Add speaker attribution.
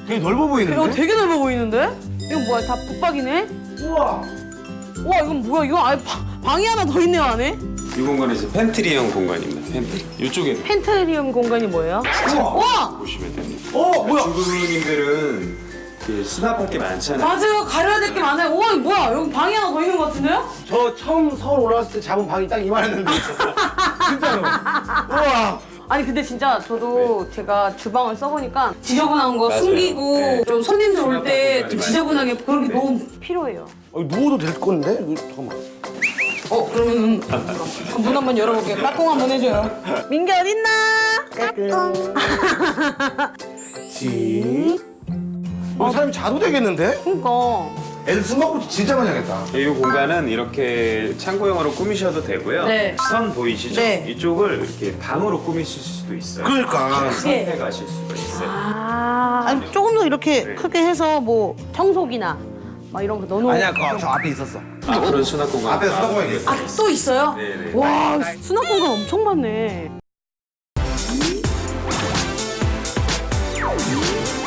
Speaker 1: 되게 넓어 보이는데?
Speaker 2: 야, 되게 넓어 보이는데? 이건 뭐야? 다 붙박이네?
Speaker 1: 우와.
Speaker 2: 와, 이건 뭐야? 이거 아예 방이 하나 더 있네요, 안에?
Speaker 3: 이 공간은 이제 팬트리형 공간입니다. 팬트리. 이쪽에
Speaker 2: 펜트리움 공간이 뭐예요? 와!
Speaker 3: 보시면 됩니다.
Speaker 1: 뭐야?
Speaker 3: 중국인들은 그 수납할 게 많잖아요.
Speaker 2: 맞아요. 가려야 될 게 많아요. 우와, 이거 뭐야? 여기 방이 하나 더 있는 것 같은데요?
Speaker 1: 저 처음 서울 올라왔을 때 잡은 방이 딱 이만했는데. 진짜로. 우와.
Speaker 2: 아니 근데 진짜 저도 제가 주방을 써보니까 지저분한 거
Speaker 3: 맞아요.
Speaker 2: 숨기고
Speaker 3: 네.
Speaker 2: 좀 손님들 올 때 좀
Speaker 3: 많이
Speaker 2: 지저분하게 그런 게 너무 필요해요.
Speaker 1: 누워도 될 건데? 잠깐만.
Speaker 2: 그러면 문 한번 열어볼게요. 까꿍 한번 해줘요. 민규 어딨나?
Speaker 1: 지. 사람이 자도 되겠는데?
Speaker 2: 그니까.
Speaker 1: 애들 숨바꼭질 진짜 많이 하겠다.
Speaker 3: 이 공간은 이렇게 창고형으로 꾸미셔도 되고요.
Speaker 2: 네.
Speaker 3: 선 보이시죠?
Speaker 2: 네.
Speaker 3: 이쪽을 이렇게 방으로 꾸미실 수도 있어요.
Speaker 1: 그러니까.
Speaker 3: 선택하실 수가 있어요.
Speaker 2: 아니 조금 더 이렇게
Speaker 3: 네.
Speaker 2: 크게 해서 뭐 청소기나 막 이런 거 넣어놓고.
Speaker 1: 아니야, 저 앞에 있었어.
Speaker 3: 앞으로는 수납 공간.
Speaker 1: 앞에 수납공간이 있어.
Speaker 2: 아, 또 있어요?
Speaker 3: 네네.
Speaker 2: 와, 수납 공간 엄청 많네.